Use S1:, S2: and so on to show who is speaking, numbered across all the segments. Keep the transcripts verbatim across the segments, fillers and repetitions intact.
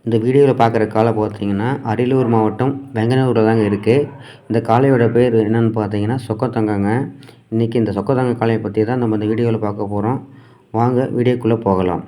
S1: இந்த வீடியோவில் பார்க்குற காளை பார்த்தீங்கன்னா அரியலூர் மாவட்டம் வெங்கனூரில் தாங்க இருக்குது. இந்த காளையோட பேர் என்னென்னு பார்த்தீங்கன்னா சொக்கத்தங்கங்க. இன்றைக்கி இந்த சொக்கத்தங்க காளையை பற்றி தான் நம்ம இந்த வீடியோவில் பார்க்க போகிறோம். வாங்க வீடியோக்குள்ளே போகலாம்.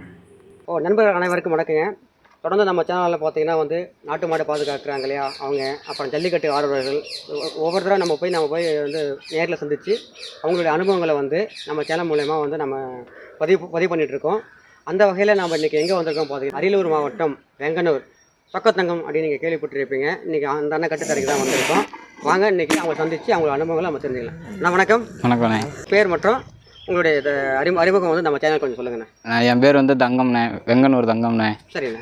S2: ஓ நண்பர்கள் அனைவருக்கும் வணக்கங்க. தொடர்ந்து நம்ம சேனலில் பார்த்தீங்கன்னா வந்து நாட்டு மாடை பாதுகாக்கிறாங்க இல்லையா அவங்க, அப்புறம் ஜல்லிக்கட்டு ஆர்வலர்கள் ஒவ்வொருத்தரும் நம்ம போய் நம்ம போய் வந்து நேரில் சந்தித்து அவங்களுடைய அனுபவங்களை வந்து நம்ம சேனல் மூலயமா வந்து நம்ம பதிவு பதிவு பண்ணிகிட்ருக்கோம். அந்த வகையில் நம்ம இன்றைக்கி எங்கே வந்திருக்கோம் பார்த்தீங்கன்னா அரியலூர் மாவட்டம் வெங்கனூர் சொக்கத்தங்கம் அப்படின்னு நீங்கள் கேள்விப்பட்டிருப்பீங்க. இன்றைக்கி அந்த அண்ணன் கட்டுத்தரைக்கு தான் வந்திருக்கோம். வாங்க இன்றைக்கி அவங்க சந்தித்து அவங்களோட அனுபவங்களை நம்ம தெரிஞ்சுக்கலாம். அண்ணா வணக்கம்.
S3: வணக்கண்ணே.
S2: பேர் மற்றும் உங்களுடைய அறி அறிமுகம் வந்து நம்ம சேனல் கொஞ்சம் சொல்லுங்கண்ணே.
S3: என் பேர் வந்து தங்கம்ண்ணே, வெங்கனூர் தங்கம்ண்ணே.
S2: சரிண்ணே.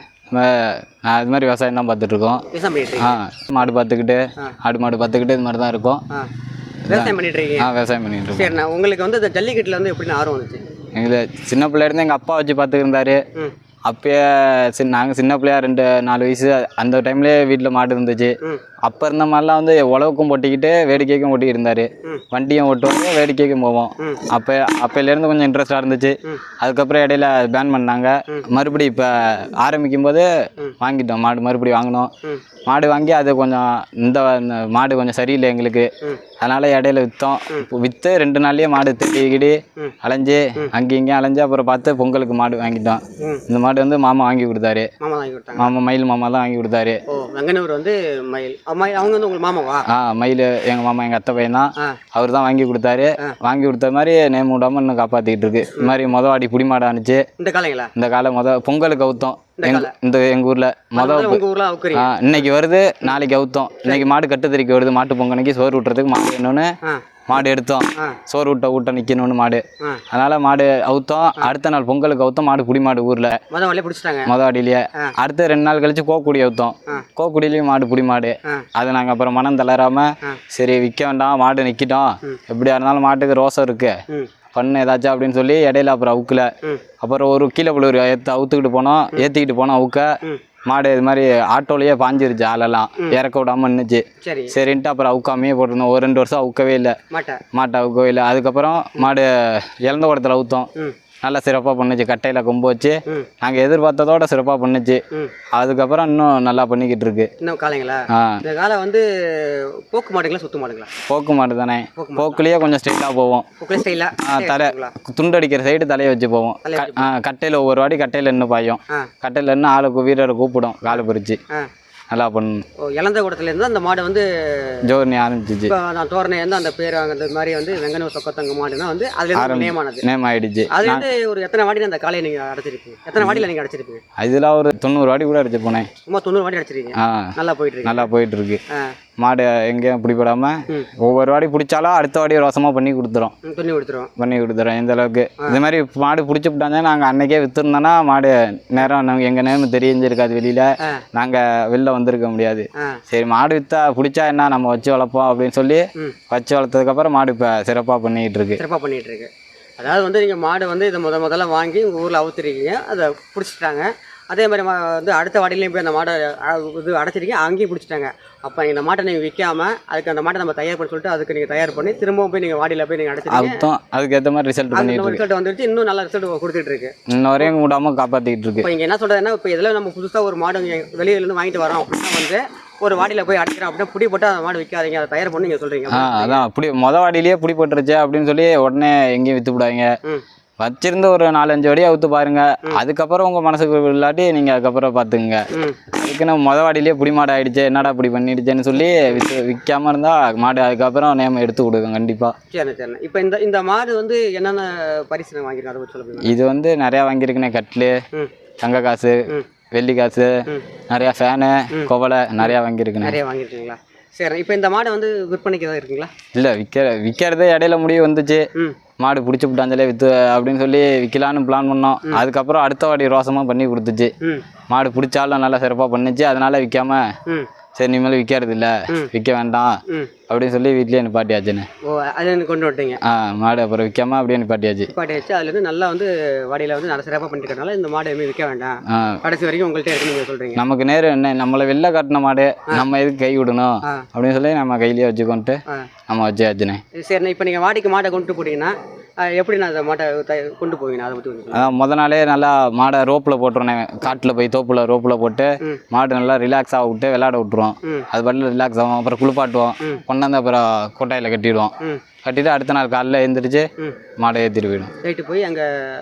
S3: நான் இது மாதிரி விவசாயம் தான் பார்த்துட்ருக்கோம். ஆ மாடு பார்த்துக்கிட்டு ஆடு மாடு பார்த்துக்கிட்டு இது மாதிரி தான் இருக்கும்.
S2: விவசாயம் பண்ணிட்டு இருக்கீங்க?
S3: ஆ விவசாயம் பண்ணிட்டு இருக்கோம்.
S2: சரிண்ணா, உங்களுக்கு வந்து இந்த ஜல்லிக்கட்டில் வந்து எப்படின்னு ஆர்வம் வந்துச்சு?
S3: எங்களுக்கு சின்ன பிள்ளையிலேருந்து எங்கள் அப்பா வச்சு பார்த்துக்கிருந்தாரு. அப்பயே சின்ன நாங்கள் சின்ன பிள்ளையா ரெண்டு நாலு வயசு அந்த டைம்லேயே வீட்டில் மாடு இருந்துச்சு. அப்போ இருந்த மாதிரிலாம் வந்து உழவுக்கும் போட்டிக்கிட்டு வேடிக்கைக்கும் ஓட்டி இருந்தார். வண்டியும் ஓட்டுவாங்க, வேடிக்கைக்கும் போவோம். அப்போ அப்போலேருந்து கொஞ்சம் இன்ட்ரெஸ்டாக இருந்துச்சு. அதுக்கப்புறம் இடையில பேன் பண்ணாங்க. மறுபடியும் இப்போ ஆரம்பிக்கும் போது வாங்கிட்டோம் மாடு, மறுபடியும் வாங்கினோம். மாடு வாங்கி அது கொஞ்சம் இந்த மாடு கொஞ்சம் சரியில்லை எங்களுக்கு, அதனால் இடையில விற்றோம். விற்று ரெண்டு நாள்லேயே மாடு திட்டிக்கிடி அலைஞ்சு அங்கேயும் இங்கேயும் அலைஞ்சு அப்புறம் பார்த்து பொங்கலுக்கு மாடு வாங்கிட்டோம். இந்த மாடு வந்து மாமா வாங்கி கொடுத்தாரு. மாமா மயில் மாமா தான் வாங்கி கொடுத்தாரு.
S2: வெங்கனூர் வந்து மயில் அவங்க வந்து உங்களுக்கு மாமாவா?
S3: ஆ மயில் எங்கள் மாமா, எங்கள் அத்தை பையன் தான். அவர் தான் வாங்கி கொடுத்தாரு. வாங்கி கொடுத்த மாதிரி நேம் விடாமல் இன்னும் காப்பாற்றிக்கிட்டு இருக்கு. இந்த மாதிரி மொதல் வாடி புடி மாடு அனுச்சு. இந்த காலைங்களா? இந்த காலை மொதல் பொங்கலுக்கு அவுத்தோம். இந்த எங்கள் ஊரில் மொதல் இன்னைக்கு வருது, நாளைக்கு அவுத்தோம். இன்னைக்கு மாடு கட்டுத்தறிக்கு வருது. மாட்டு பொங்கலுக்கு சோறு விட்டுறதுக்கு மாடு வேணும்னு மாடு எடுத்தோம். சோறு விட்ட ஊட்ட நிற்கணும்னு மாடு, அதனால மாடு அவுத்தோம். அடுத்த நாள் பொங்கலுக்கு அவுத்தோம் மாடு புடி மாடு ஊரில் மொதல் வாடியிலேயே. அடுத்து ரெண்டு நாள் கழிச்சு கோக்குடி அவுத்தோம். கோக்குடியிலையும் மாடு புடி மாடு. அதை நாங்கள் அப்புறம் மனம் தளராமல் சரி விற்க வேண்டாம், மாடு நிற்கிட்டோம், எப்படியா இருந்தாலும் மாட்டுக்கு ரோசம் இருக்கு பண்ணு ஏதாச்சும் அப்படின்னு சொல்லி இடையில அப்புறம் அவுக்கல. அப்புறம் ஒரு கீழே புள்ள ஏற்று அவுத்துக்கிட்டு போனோம். ஏற்றிக்கிட்டு போனோம் அவுக்க. மாடு இது மாதிரி ஆட்டோலையே பாஞ்சிருச்சு, ஆளெல்லாம் இறக்க விடாமல் நின்றுச்சு. சரின்ட்டு அப்புறம் அவுக்காமையே போட்டிருந்தோம். ஒரு ரெண்டு வருஷம் அவுக்கவே இல்லை, மாட்டை அவுக்கவே இல்லை. அதுக்கப்புறம் மாடு இழந்த குடத்தில் அவுத்தோம். நல்லா சிறப்பாக பண்ணுச்சு. கட்டையில் கொம்பு வச்சு நாங்கள் எதிர்பார்த்ததோட சிறப்பாக பண்ணுச்சு. அதுக்கப்புறம் இன்னும் நல்லா பண்ணிக்கிட்டு இருக்கு.
S2: இன்னும் காலைங்களா? இந்த காலை வந்து போக்கு மாடுங்களா சுத்து மாடுங்களா?
S3: போக்கு மாடு தானே. போக்குலேயே கொஞ்சம் ஸ்டைலாக போவோம். தலை துண்டு அடிக்கிற சைடு தலையை வச்சு போவோம். கட்டையில் ஒவ்வொரு வாடி கட்டையில் இன்னும் பாயும். கட்டையில் இன்னும் ஆளுக்கு வீரரை கூப்பிடும் காலை பிரிச்சு நல்லா பண்ணணும்.
S2: இளந்த கூடத்துலேருந்து அந்த மாடு வந்து
S3: ஜோர்னி ஆரம்பிச்சிச்சு.
S2: நான் தோரணை வந்து அந்த பேர் அந்த மாதிரி வந்து வெங்கனூர் சொக்கத்தங்க மாடுனா வந்து அதுல நேம் ஆனது, நேம்
S3: ஆயிடுச்சு.
S2: அது வந்து ஒரு எத்தனை வாடி அந்த காலையை நீங்கள் அடைச்சிருப்பீங்க? எத்தனை வாடியில் நீங்கள் அடைச்சிருப்பீங்க?
S3: அதில் ஒரு தொண்ணூறு வாடி கூட அடிச்சு போனேன்.
S2: சும்மா தொண்ணூறு வாடி அடிச்சிருக்கீங்க. நல்லா போயிட்டு இருக்கு.
S3: நல்லா போயிட்டு இருக்கு. மாடு எங்கேயும் பிடிப்படாம ஒவ்வொரு வாடி பிடிச்சாலும் அடுத்த வாடி ரோசமாக பண்ணி கொடுத்துரும். பண்ணி கொடுத்துரும் பண்ணி கொடுத்துரும் இந்த அளவுக்கு. இந்த மாதிரி மாடு பிடிச்சி விட்டாங்க. நாங்கள் அன்னைக்கே விற்றுருந்தோன்னா மாடு நேரம் நாங்கள் எங்கள் நேரம் தெரிஞ்சிருக்காது, வெளியில் நாங்கள் வெளில வந்திருக்க முடியாது. சரி மாடு விற்றா பிடிச்சா என்ன நம்ம வச்சு வளர்ப்போம் அப்படின்னு சொல்லி வச்சு வளர்த்ததுக்கப்புறம் மாடு இப்போ சிறப்பாக பண்ணிக்கிட்டு இருக்கு.
S2: சிறப்பாக பண்ணிகிட்டு இருக்கு. அதாவது வந்து நீங்கள் மாடு வந்து இதை முத முதல்ல வாங்கி உங்கள் ஊரில் அவுத்துருக்கீங்க, அதை பிடிச்சிட்டாங்க. அதே மாதிரி வந்து அடுத்த வாடிலையும் போய் அந்த மாடை இது அடைச்சிருக்கீங்க, அங்கேயும் பிடிச்சிட்டாங்க. அப்போ இந்த மாட்டை நீங்கள் விற்காமல் அதுக்கு அந்த மாட்டை நம்ம தயார் பண்ணி சொல்லிட்டு அதுக்கு நீங்கள் தயார் பண்ணி திரும்பவும் போய் நீங்கள் வாடியில் போய் நீங்கள் அடைச்சிருக்கீங்க.
S3: அதுக்கு ஏற்ற மாதிரி ரிசல்ட் பண்ணிட்டு
S2: ரிசல்ட் வந்துருச்சு. இன்னும் நல்ல ரிசல்ட் கொடுத்துட்டு இருக்கு.
S3: இன்னும் வரையும் விடாமல் காப்பாற்றிக்கிட்டு இருக்கு.
S2: இப்போ இங்கே என்ன சொல்கிறதுன்னா, இப்போ இதில் நம்ம புதுசாக ஒரு மாடு வெளியிலேருந்து வாங்கிட்டு வரோம் அப்படின்னா வந்து ஒரு வாடியில் போய் அடிக்கிறோம் அப்படின்னா புடி போட்டு அந்த மாடு விற்காதீங்க, அதை தயார் பண்ணி நீங்கள் சொல்கிறீங்க.
S3: ஆ அதான் புடி மொதல் வாடியிலேயே புடி போட்டுருச்சு அப்படின்னு சொல்லி உடனே எங்கேயும் விற்று விடாங்க. வச்சிருந்து ஒரு நாலஞ்சு வடியாக அவுத்து பாருங்க. அதுக்கப்புறம் உங்கள் மனசுக்கு இல்லாட்டி நீங்கள் அதுக்கப்புறம் பார்த்துக்குங்க. அதுக்குன்னு மொதல் வாடியிலேயே புடி மாடு ஆகிடுச்சு, என்னடா இப்படி பண்ணிடுச்சேன்னு சொல்லி விற்று விற்காமல் இருந்தால் மாடு அதுக்கப்புறம் நேம் எடுத்து கொடுக்கும் கண்டிப்பாக.
S2: சரி சரி. இப்போ இந்த இந்த மாடு வந்து என்னென்ன பரிசு வாங்கியிருக்கேன் அதை சொல்லுங்க.
S3: இது வந்து நிறையா வாங்கியிருக்குண்ணே. கட்லு, தங்க காசு, வெள்ளி காசு, நிறையா ஃபேனு, குவலை நிறையா வாங்கியிருக்குண்ணே.
S2: நிறையா வாங்கியிருக்கீங்களா? சரி. இப்போ இந்த மாடை வந்து விற்பனைக்கு தான் இருக்குங்களா?
S3: இல்லை, விற்க விற்கிறதே இடையில முடிவு வந்துச்சு. மாடு பிடிச்சி விட்டாஞ்சாலே விற்று அப்படின்னு சொல்லி விற்கலான்னு பிளான் பண்ணோம். அதுக்கப்புறம் அடுத்த வாடி ரோசமாக பண்ணி கொடுத்துச்சு. மாடு பிடிச்சாலும் நல்லா சிறப்பாக பண்ணிச்சு. அதனால விற்காம சரி இனிமேல் விற்கிறது இல்லை, விற்க வேண்டாம் அப்படின்னு சொல்லி வீட்லேயே நிப்பாட்டியாச்சுன்னு.
S2: ஓ அது கொண்டு விட்டீங்க.
S3: ஆ மாடு அப்புறம் விற்காம அப்படியே நிப்பாட்டியாச்சு.
S2: நிப்பாட்டியாச்சு. அதுலேருந்து நல்லா வந்து வாடியில் வந்து நல்லா சிறப்பாக பண்ணிக்கிறதுனால இந்த மாடு எதுவுமே விற்க வேண்டாம், கடைசி வரைக்கும் உங்கள்கிட்ட இருக்குன்னு நீங்கள் சொல்கிறீங்க.
S3: நமக்கு நேரம் என்ன, நம்மளை வெளில கட்டின மாடு நம்ம எதுக்கு கை விடணும் அப்படின்னு சொல்லி நம்ம கையிலேயே வச்சுக்கொண்டு நம்ம வச்சாச்சுண்ணே.
S2: சரிண்ணே. இப்போ நீங்கள் வாடிக்கு மாடை கொண்டு போட்டிங்கன்னா எப்படி நான் அந்த மாட்டை த- கொண்டு போவீங்க அதை பற்றி கொஞ்சம்
S3: அதான் முத நாளே நல்லா மாடை ரோப்பில் போட்டுருவேன், காட்டில் போய் தோப்பில் ரோப்பில் போட்டு மாடு நல்லா ரிலாக்ஸ் ஆக விட்டு விளையாட விட்டுருவோம். அது பாட்டில் ரிலாக்ஸ் ஆகும். அப்புறம் குளிப்பாட்டுவோம், கொண்டாந்து அப்புறம் கொட்டாயில் கட்டிடுவோம். கட்டிட்டு அடுத்த நாள் காலையில் எழுந்திரிச்சு மாடை ஏற்றிட்டு போயிடும்.
S2: போயிட்டு போய் அங்கே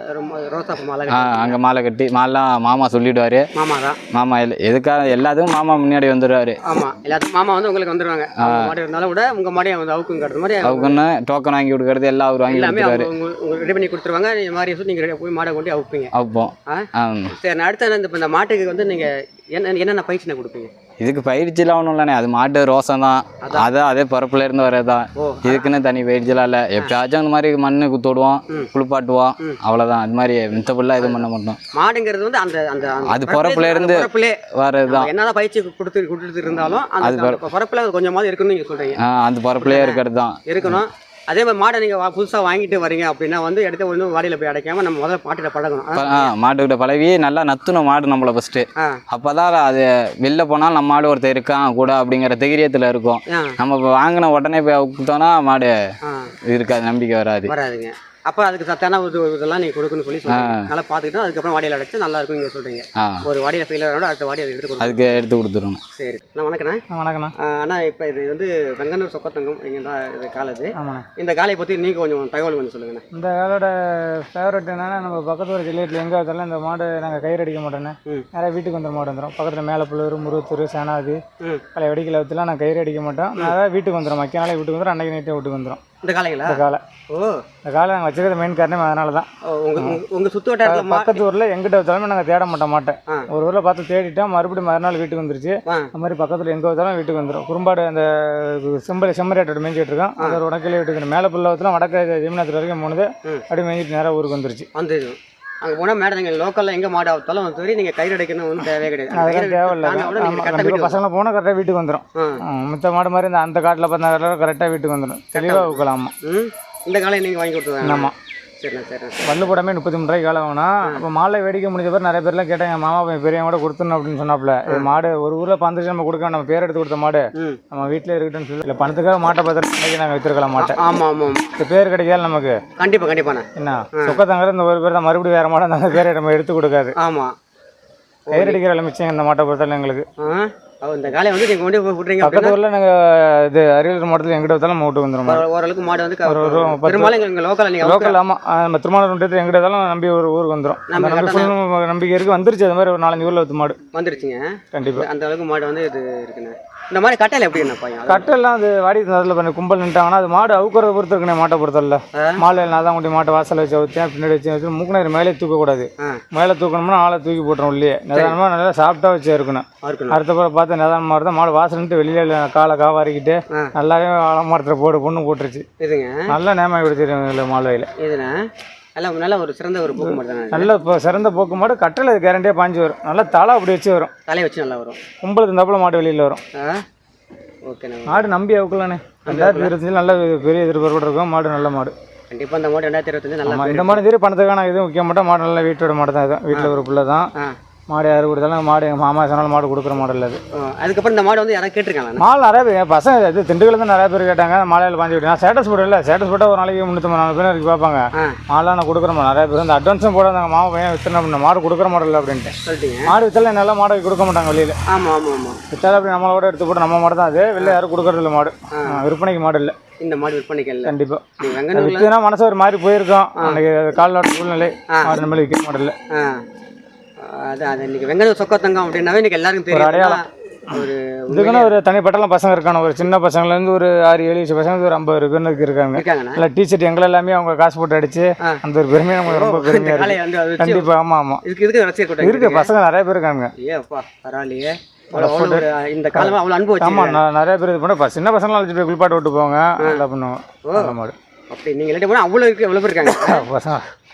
S2: ரோசா மாலை
S3: ஆ அங்கே மாலை கட்டி மாலாம் மாமா சொல்லிவிடுவார்.
S2: மாமா தான்
S3: மாமா எல் எதுக்காக எல்லாத்துக்கும் மாமா முன்னாடி வந்துடுவார்.
S2: ஆமாம், எல்லாத்துக்கும் மாமா வந்து உங்களுக்கு வந்துடுவாங்க. மாடு இருந்தாலும் கூட உங்கள் மாடையை வந்து அவுக்குங்கிறது மாதிரி
S3: அவக்குன்னு டோக்கன் வாங்கி கொடுக்கறது எல்லாம் அவர் வாங்கி
S2: எல்லாமே
S3: கொடுத்துருவாரு.
S2: உங்களுக்கு ரெடி பண்ணி கொடுத்துருவாங்க. இந்த மாதிரி சொல்லி நீங்கள் போய் மாடை கொண்டு அவுப்பீங்க.
S3: அவுப்போம்.
S2: ஆ சரி, நான் அடுத்த இந்த இப்போ இந்த மாட்டுக்கு வந்து நீங்கள் என்ன என்னென்ன பயிற்சினை கொடுப்பீங்க?
S3: இதுக்கு பயிற்சிலாம் ஒன்றும் இல்லைண்ணே, அது மாட்டு ரோசம் தான். அதான் அதே பரப்புல இருந்து வரதான். இதுக்குன்னு தனி பயிற்சிலாம் இல்லை. எப்பயாச்சும் அந்த மாதிரி மண்ணு குத்து விடுவோம், குளிப்பாட்டுவோம், அவ்வளோதான். அது மாதிரி மித்தப்பெல்லாம் எதுவும் பண்ண மாட்டோம்.
S2: மாடுங்கிறது வந்து அந்த அந்த
S3: அது பரப்புல இருந்து வரதுதான்.
S2: என்னதான் பயிற்சி கொடுத்து கொடுத்து இருந்தாலும் அந்த பரப்புல கொஞ்சமாவது இருக்குன்னு நீங்க சொல்றீங்க.
S3: அந்த பரப்புலயே இருக்கிறது தான்
S2: இருக்கணும். அதே மாதிரி மாடை நீங்கள் புதுசாக வாங்கிட்டு வரீங்க அப்படின்னா வந்து எடுத்து ஒன்று வாடியில் போய் அடைக்காம நம்ம முதல்ல மாட்டில் பழகணும்.
S3: மாட்டுக்கிட்ட பழகி நல்லா நத்துணும் மாடு நம்மளை ஃபஸ்ட்டு. அப்போ தான் அது வெளில போனால் நம்ம மாடு ஒருத்தர் இருக்கான் கூட அப்படிங்கிற தைரியத்தில் இருக்கும். நம்ம இப்போ வாங்கின உடனே போய் விட்டோம்னா மாடு இருக்காது, நம்பிக்கை வராது
S2: வராதுங்க. அப்போ அதுக்கு சத்தான ஒரு இதெல்லாம் நீங்கள் கொடுக்குன்னு சொல்லி சொல்லுங்க. நல்லா பார்த்துக்கிட்டு அதுக்கப்புறம் வாடியில் அடைச்சு நல்லா இருக்கும் நீங்கள் சொல்கிறீங்க. ஒரு வாடியில் ஃபெயிலியர் ஆனோட அடுத்த வாடி அதை எடுத்து கொடுக்கும்.
S3: அதுக்கு எடுத்து கொடுத்துருவோம்.
S2: சரி, நான் வணக்கண்ணா.
S4: வணக்கண்ணா.
S2: ஆனால் இப்போ இது வந்து வெங்கனூர் சொக்கத்தங்கம் இங்கே தான் இது காலேஜ். இந்த காலையை பற்றி நீங்கள் கொஞ்சம் தகவல் கொஞ்சம் சொல்லுங்கண்ணா.
S4: இந்த காலோட ஃபேவரட் என்னன்னா, நம்ம பக்கத்து ஒரு ஜில்லேட்டில் எங்கே வந்தாலும் இந்த மாடு நாங்கள் கயிறு அடிக்க மாட்டோன்னே நிறைய வீட்டுக்கு வந்துடும். மாடு வந்துடும் பக்கத்தில் மேலப்புள்ளூர், முருகத்தூர், சேனாதி, பழைய வெடிக்கல வச்சுலாம் நான் கயிறு அடிக்க மாட்டோம். நிறைய வீட்டுக்கு வந்துடும். மக்கிய நாளே வீட்டுக்கு வந்துடும், அன்றைக்கி நைட்டே வீட்டுக்கு வந்துடும்.
S2: இந்த காலைங்களா? இந்த
S4: காலை
S2: ஓ
S4: இந்த காலை நாங்கள் வச்சுக்கிறது மெயின் காரணம் அதனால தான்.
S2: உங்கள் உங்கள் சுற்று வட்டாரத்தில்
S4: பக்கத்து ஊரில் எங்கிட்ட வச்சாலுமே நாங்கள் தேட மாட்டோம் மாட்டேன். ஒரு ஊரில் பார்த்து தேடிட்டோம், மறுபடியும் மறுநாள் வீட்டுக்கு வந்துருச்சு. அந்த மாதிரி பக்கத்தில் எங்கே வச்சாலும் வீட்டுக்கு வந்துடும். குறும்பாடு அந்த செம்பல் செம்மறியாட்டோட மேய்ஞ்சிட்டு இருக்கோம். அது ஒரு உடக்கிலே வீட்டுக்கு மேலே புள்ளவத்தில் வடக்கு ஜெமினாத்துல வரைக்கும் போனது அப்படியே மேய்ஞ்சிட்டு நேராக ஊருக்கு வந்துருச்சு.
S2: வந்துடும். அங்கே போனால் மேடம் நீங்கள் லோக்கலில் எங்கே மாடு ஆகுத்தாலும் வந்து சரி நீங்கள் கயிறு அடைக்கணும் ஒன்றும் தேவையே கிடையாது.
S4: அதெல்லாம் தேவையில்லை. பசங்களை போனால் கரெக்டாக வீட்டுக்கு வந்துடும். மித்த மாடு மாதிரி இந்த அந்த காட்டில் பார்த்தா கரெக்டாக வீட்டுக்கு வந்துடும். தெளிவாக ஊக்கலாமா.
S2: இந்த காலையை நீங்கள் வாங்கி கொடுத்துருவாங்க.
S4: ஆமாம்.
S2: சரிண்ணா சரிண்ணா.
S4: வல்லு போடாமே முப்பத்தி மூணு ரூபாய்க்கு காலை வாங்கினா. அப்போ மாலை வேடிக்கை முடிஞ்ச பேர் நிறைய பேர்லாம் கேட்டாங்க, மாமா பையன் பெரியவங்க கூட கொடுத்துடணும் அப்படின்னு சொன்னாப்புல. இது மாடு ஒரு ஊரில் பந்துச்சு நம்ம கொடுக்க, நம்ம பேர் எடுத்து கொடுத்த மாடு நம்ம வீட்டில் இருக்கட்டும்னு சொல்லி இல்லை பணத்துக்காக மாட்டை பார்த்து நாங்கள் வித்துருக்கலாம் மாட்டேன். ஆமாம் ஆமாம். இந்த பேர் கிடைக்காது நமக்கு.
S2: கண்டிப்பாக கண்டிப்பாண்ணா.
S4: என்ன சொக்கத்தங்கிற இந்த ஒரு பேர் தான் மறுபடியும் வேறு மாடு அந்த பேரை நம்ம எடுத்து கொடுக்காது.
S2: ஆமாம்.
S4: கயிறு அடிக்கிற மிச்சம் இந்த மாட்டை பொறுத்தாலும் எங்களுக்கு.
S2: இந்த காலையை வந்து நீங்கள் கொண்டு போய் விட்றீங்க.
S4: பக்கத்து ஊரில் நாங்கள் இது அரியலூர் மாவட்டத்தில் எங்கிட்ட வந்தாலும் நம்ம வீட்டுக்கு வந்துடும்.
S2: ஓரளவுக்கு மாடு வந்து பெரும்பாலும் எங்கள் லோக்கல் நீங்கள்
S4: லோக்கல். ஆமாம், நம்ம திருமணம் எங்கிட்ட இருந்தாலும் நம்பி ஒரு ஊருக்கு வந்துடும். நம்பி நம்பிக்கை இருக்குது. வந்துருச்சு. அது மாதிரி ஒரு நாலஞ்சு ஊரில் வச்சு மாடு வந்துருச்சுங்க. கண்டிப்பாக
S2: அந்த அளவுக்கு மாடு வந்து இது இருக்குண்ணே. இந்த மாதிரி கட்டையில் எப்படி என்ன பையன்
S4: கட்டெல்லாம் அது வாடி அதில் பண்ணி கும்பல் நின்ட்டாங்கன்னா அது மாடு அவுக்கிறத பொறுத்து இருக்குண்ணே. மாட்டை பொறுத்தல மாலை நான் தான் கொண்டு மாட்டை வாசல் வச்சு வச்சேன், பின்னாடி வச்சு வச்சு மூக்குநேர் மேலே தூக்கக்கூடாது. மேலே தூக்கணும்னா ஆளை தூக்கி போட்டுரும். உள்ளே நிதானமாக நல்லா சாப்பிட்டா வச்சு இருக்கணும். அடுத்த பிறகு பார்த்து நிதானமாக இருந்தால் மாடு வாசல்ட்டு வெளியில் காலை காவாரிக்கிட்டு நல்லாவே மரத்தில் போடு பொண்ணு போட்டுருச்சு. இதுங்க நல்லா நேமாகி கொடுத்துருங்க மாடு வயலில். இதுண்ணே எல்லாம் நல்ல ஒரு சிறந்த ஒரு போக்கு மாடு தான். நல்ல இப்போ சிறந்த போக்கு மாடு. கட்டில் அது கேரண்டியாக பாஞ்சு வரும். நல்லா தலை அப்படி வச்சு வரும். தலையை வச்சு நல்லா வரும். கும்பலுக்கு இருந்தாப்புல மாடு வெளியில் வரும். ஓகேண்ணா. மாடு நம்பி அவுக்கலாண்ணே. ரெண்டாயிரத்தி இருபத்தஞ்சு நல்ல பெரிய எதிர்பார்ப்பு இருக்கும். மாடு நல்ல மாடு. கண்டிப்பாக இந்த மாடு ரெண்டாயிரத்தி இருபத்தஞ்சு நல்லா. இந்த மாடு சரி பணத்துக்கான எதுவும் முக்கிய மாட்டோம். மாடு நல்லா வீட்டோட மாடு தான். இது வீட்டில் ஒரு பிள்ளை தான். மாடு யாரு கொடுத்தாலும் மாடு எங்கள் மாமா சொன்னாலும் மாடு கொடுக்குற மாடு இல்லை. அது அதுக்கப்புறம் இந்த மாடு வந்து யாராவது கேட்டிருக்காங்க. மாடு நிறைய பேர் பசங்க இது திண்டுக்கல் தான் நிறைய பேர் கேட்டாங்க. மாலையில் பாஞ்சு விட்டு நான் ஸ்டேட்டஸ் போட இல்லை. ஸ்டேட்டஸ் போட்டால் ஒரு நாளைக்கு முன்னூற்றி நாலு பேர் இருக்கு பார்ப்பாங்க. மாடெலாம் நான் கொடுக்குற மாடு நிறைய பேர் அந்த அட்வான்ஸும் போட அந்த மாமா பையன் வித்துனா அப்படின்னா மாடு கொடுக்குற மாடு இல்லை அப்படின்ட்டு சொல்லிட்டீங்க. மாடு வித்தாலும் நல்லா மாடு கொடுக்க மாட்டாங்க வெளியில். ஆமாம் ஆமாம் ஆமாம். வித்தாலும் அப்படி நம்மளோட எடுத்து போட்டு நம்ம மாடு தான். அது வெளில யாரும் கொடுக்குறது இல்லை. மாடு விற்பனைக்கு மாடு இல்லை. இந்த மாடு விற்பனைக்கு இல்லை. கண்டிப்பாக விற்றுனா மனசு ஒரு மாதிரி போயிருக்கோம். அன்றைக்கி காலோட சூழ்நிலை மாடு நம்மளே விற்க மாடு இல்லை. அதான் அது இன்றைக்கி வெங்கனூர் சொக்கத்தங்கம் அப்படின்னாவே இன்றைக்கி எல்லாருக்கும் தெரியும். அடையாளம் ஒரு இதுக்குன்னா ஒரு தனிப்பட்டலாம் பசங்க இருக்காங்க. ஒரு சின்ன பசங்கலேருந்து ஒரு ஆறு ஏழு வயசு பசங்க ஒரு ஐம்பது பேருக்கு இருக்காங்க. இல்லை டீச்சர் எங்களை எல்லாமே அவங்க காசு போட்டு அடிச்சு அந்த ஒரு பெருமையாக நமக்கு ரொம்ப பெருமையாக இருக்குது. கண்டிப்பாக. ஆமாம் ஆமாம் இருக்கு. பசங்க நிறைய பேர் இருக்காங்க. ஏப்பா பரவாயில்லையே. இந்த காலம் அவ்வளோ அனுபவம். ஆமாம் நிறைய பேர் இது பண்ண சின்ன பசங்களாம் அழைச்சிட்டு போய் குளிப்பாட்டு விட்டு போவாங்க. நல்லா பண்ணுவோம். மாடு அப்படி நீங்கள் போனால் அவ்வளோ இருக்கு. எவ்வளோ பேர் இருக்காங்க பசங்க.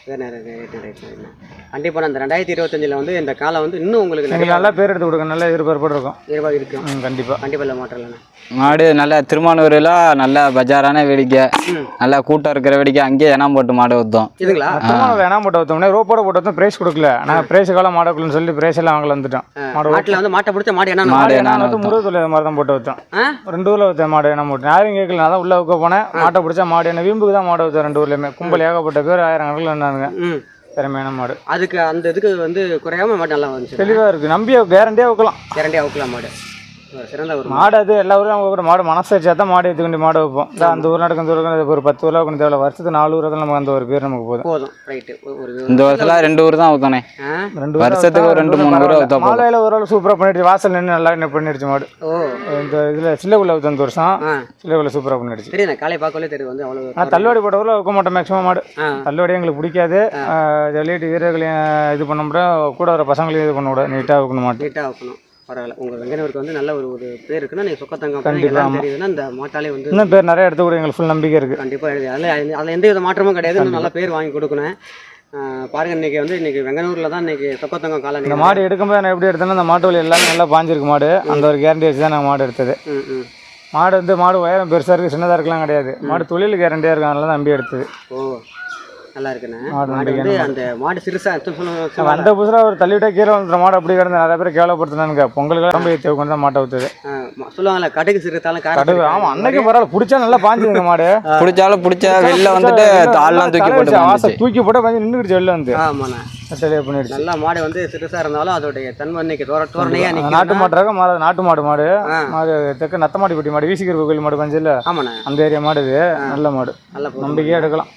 S2: கண்டிப்பாக அந்த ரெண்டாயிரத்தி இருபத்தஞ்சில் வந்து இந்த காலம் வந்து இன்னும் உங்களுக்கு
S4: எங்களுக்கு நல்லா பேர் எடுத்து கொடுங்க, நல்ல எதிர்பார்ப்பு இருக்கும்.
S2: எதிர்பார்ப்பு இருக்கும்.
S4: ம், கண்டிப்பாக
S2: கண்டிப்பாக இல்லை மாற்றம் இல்லைண்ணா.
S3: மாடு நல்ல திருமானூரில் நல்ல பஜாரான வேடிக்கை, நல்லா கூட்டம் இருக்கிற வேடிக்கை, அங்கேயே இனம் போட்டு மாடு ஊற்றோம்.
S2: இதுங்களா
S4: வேணாம் போட்டு வைத்தோம்னா ரோப்போட போட்டு வைத்தோம், பிரைஸ் கொடுக்கல. நாங்கள் பிரைஸ் காலம் மாடக்குள்ளன்னு சொல்லி பிரைஸ் எல்லாம் வாங்கல வந்துட்டோம். மாடு
S2: மாட்டில் வந்து மாட்டை பிடிச்ச மாடு என்ன
S3: மாடு என்ன
S4: வந்து முருகை தொழில் மாதிரி தான் போட்டு வைத்தோம். ரெண்டு ஊரில் வைத்த மாடு என்ன போட்டு யாரும் கேட்கல. நான் தான் உள்ள வைக்க போனேன், மாட்டை பிடிச்சா மாடு என்ன வீம்புக்கு தான் மாடு வைத்தோம். ரெண்டு ஊர்லேயுமே கும்பல் ஏகப்பட்ட பேர், ஆயிரம் கணக்கில் என்னானுங்க. திறமையான மாடு.
S2: அதுக்கு அந்த இதுக்கு வந்து குறையாம மாடு நல்லா வந்துச்சு,
S4: தெளிவாக இருக்குது. நம்பி கேரண்டியாக வைக்கலாம்,
S2: கேரண்டியாக வைக்கலாம் மாடு. சிறந்த ஒரு
S4: மாடு. அது எல்லா ஊரும் அவங்க மாடு மனசு வச்சா தான் மாடு எடுத்துக்கொண்டு மாடு வைப்போம். அந்த ஊர் நடக்கும் அந்த ஊருக்கு ஒரு பத்து ஊரில் கொஞ்சம் தேவை, வருஷத்துக்கு நாலு ஊரில் நமக்கு அந்த ஒரு பேர் நமக்கு போதும்
S2: போதும் ரைட்டு. ஒரு
S3: இந்த வருஷத்துல ரெண்டு ஊர் தான் ஊத்தானே,
S4: ரெண்டு
S3: வருஷத்துக்கு ஒரு ரெண்டு மூணு ஊர் ஊற்ற.
S4: மாலையில் ஒரு ஆள் சூப்பராக பண்ணிடுச்சு, வாசல் நின்று நல்லா என்ன பண்ணிடுச்சு மாடு.
S2: ஓ
S4: இந்த இதில் சில்லைக்குள்ள ஊற்ற அந்த வருஷம் சில்லைக்குள்ள சூப்பராக பண்ணிடுச்சு.
S2: சரி, நான் காலை பார்க்கவே தெரியும் வந்து அவ்வளோ.
S4: ஆனால் தள்ளுவாடி போட்ட ஊரில் வைக்க மாட்டோம் மேக்ஸிமம் மாடு. தள்ளுவாடி எங்களுக்கு பிடிக்காது. விளையாட்டு வீரர்களையும் இது பண்ண முடியாது, கூட வர பசங்களையும் இது பண்ண கூடாது. நீட்டாக வைக்கணும் மாட்டு,
S2: நீட்டாக வைக்கணும். பரவாயில்ல, உங்கள் வெங்கனூருக்கு வந்து நல்ல ஒரு ஒரு பேர் இருக்குன்னா நீங்கள் சொக்கத்தங்கம் கண்டிப்பாக தெரியுதுன்னா இந்த மாட்டாலே வந்து
S4: இன்னும் பேர் நிறைய எடுத்து கூட எங்களுக்கு ஃபுல் நம்பிக்கை இருக்குது.
S2: கண்டிப்பாக எழுதி அதில் அதில் எந்த வித மாற்றமும் கிடையாது. இன்னும் நல்ல பேர் வாங்கி கொடுக்கணும். பாருங்கள், இன்றைக்கி வந்து இன்றைக்கி வெங்கனூரில் தான் இன்றைக்கி சொக்கத்தங்கம் காலம்.
S4: இந்த மாடு எடுக்கும்போது நான் எப்படி எடுத்தேன்னா அந்த மாட்டு வலி எல்லாமே நல்லா பாஞ்சிருக்கு மாடு. அந்த ஒரு கேரண்டி வச்சு தான் நாங்கள் மாடு எடுத்தது. மாடு வந்து மாடு உயரம் பெருசாக இருக்குது, சின்னதாக இருக்கலாம் கிடையாது. மாடு தொழில் கேரண்டியாக இருக்கும், அதனால தான் நம்பி எடுத்தது.
S2: ஓ நல்லா இருக்குண்ணே. மாடு வந்து அந்த மாடு சிறுசா
S4: அந்த புதுசாக ஒரு தள்ளிவிட்டா கீழே வந்துடுற மாடு அப்படி கிடந்து நிறைய பேர் கேவலப்படுத்தினானுங்க. பொங்கலுக்கு ரொம்ப ஏற்றி கொண்டு தான் மாட்டை ஊற்றுது
S2: சொல்லுவாங்கல்ல, கடுகு சிறுத்தாலும்
S4: கடுகு. ஆமாம், அன்னைக்கு பரவாயில்ல, பிடிச்சா நல்லா பாஞ்சுதுங்க மாடு.
S3: பிடிச்சாலும் பிடிச்சா வெளில வந்துட்டு தாள்லாம் தூக்கி போட்டு
S4: வாசல் தூக்கி போட்டு கொஞ்சம் நின்றுடுச்சு வெளில வந்து.
S2: ஆமாண்ணா,
S4: தெளிவாக பண்ணிடுச்சு.
S2: நல்லா மாடு வந்து சிறுசாக இருந்தாலும் அதோடைய தன்மை இன்னைக்கு தோர தோரணையாக
S4: நாட்டு மாட்டுறாங்க. மாடு நாட்டு மாடு மாடு மாடு தெற்கு நத்தமாடி பட்டி மாடு, வீசிக்கிற கோயில் மாடு பஞ்சில்.
S2: ஆமாண்ணா,
S4: அந்த ஏரியா மாடு இது நல்ல மாடு,
S2: நல்ல
S4: நம்பிக்கையாக எடுக்கலாம்.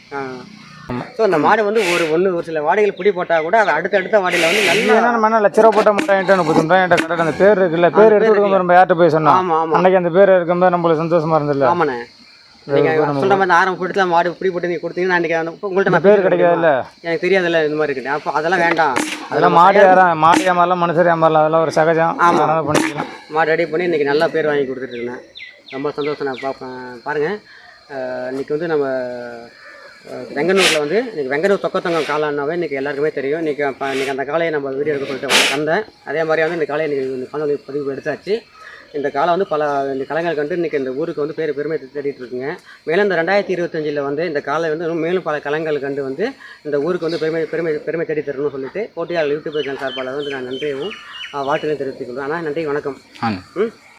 S2: ஸோ அந்த மாடு வந்து ஒரு ஒன்று ஒரு சில வாடைகள் பிடி போட்டால் கூட அது அடுத்த அடுத்த வாடையில் வந்து நல்லா
S4: என்ன லட்ச ரூபா போட்ட மாட்டேன் என்கிட்ட முப்பத்தி என்கிட்ட கரெக்டாக அந்த பேர் இருக்குல்ல, பேர் எடுத்து கொடுக்க நம்ம யார்கிட்ட போய் சொன்னோம்.
S2: ஆமாம் ஆமாம்,
S4: அன்னைக்கு அந்த பேர் இருக்கும்போது நம்மளுக்கு சந்தோஷமா இருந்தில்ல.
S2: ஆமாண்ணே, நீங்கள் சொல்கிற மாதிரி ஆரம்பம் போட்டு மாடு பிடி போட்டு நீங்கள் கொடுத்தீங்கன்னா அன்றைக்கி உங்கள்கிட்ட நான்
S4: பேர் கிடைக்காது இல்லை,
S2: எனக்கு தெரியாதுல்ல இந்த மாதிரி இருக்குது. அப்போ அதெல்லாம் வேண்டாம்.
S4: அதெல்லாம் மாடு யாரும் மாடு ஏமாறலாம், மனுஷர் ஏமாறலாம், அதெல்லாம் ஒரு சகஜம். ஆமாம், பண்ணிக்கலாம்.
S2: மாடு ரெடி பண்ணி இன்றைக்கி நல்லா பேர் வாங்கி கொடுத்துட்ருக்கேன். ரொம்ப சந்தோஷம். நான் பார்ப்பேன். பாருங்கள், இன்றைக்கி வந்து நம்ம வெங்கனூரில் வந்து இன்றைக்கி வெங்கனூர் சொக்கத்தங்கம் காலம்னாவே இன்றைக்கி எல்லாருக்குமே தெரியும். இன்றைக்கி இப்போ இன்றைக்கி அந்த காலையை நம்ம வீடியோ எடுக்க சொல்லிட்டு வந்தேன். அதே மாதிரி வந்து இந்த காலையை இன்றைக்கி இந்த காணொலி பதிவு எடுத்தாச்சு. இந்த காலம் வந்து பல இந்த கலைஞர்கள் கண்டு இன்றைக்கி இந்த ஊருக்கு வந்து பேர் பெருமை தேடிட்டு இருக்குங்க. மேலும் இந்த ரெண்டாயிரத்தி இருபத்தஞ்சில் வந்து இந்த காலை வந்து இன்னும் மேலும் பல கலைஞர்கள் கண்டு வந்து இந்த ஊருக்கு வந்து பெருமை பெருமை பெருமை தேடி தரணும்னு சொல்லிட்டு போட்டியாளர் யூடியூப் சேனல் சார்பால் வந்து நான் நன்றியவும் வாழ்த்துக்களை தெரிவித்துக் கொள்வேன். ஆனால் நன்றி, வணக்கம். ம்.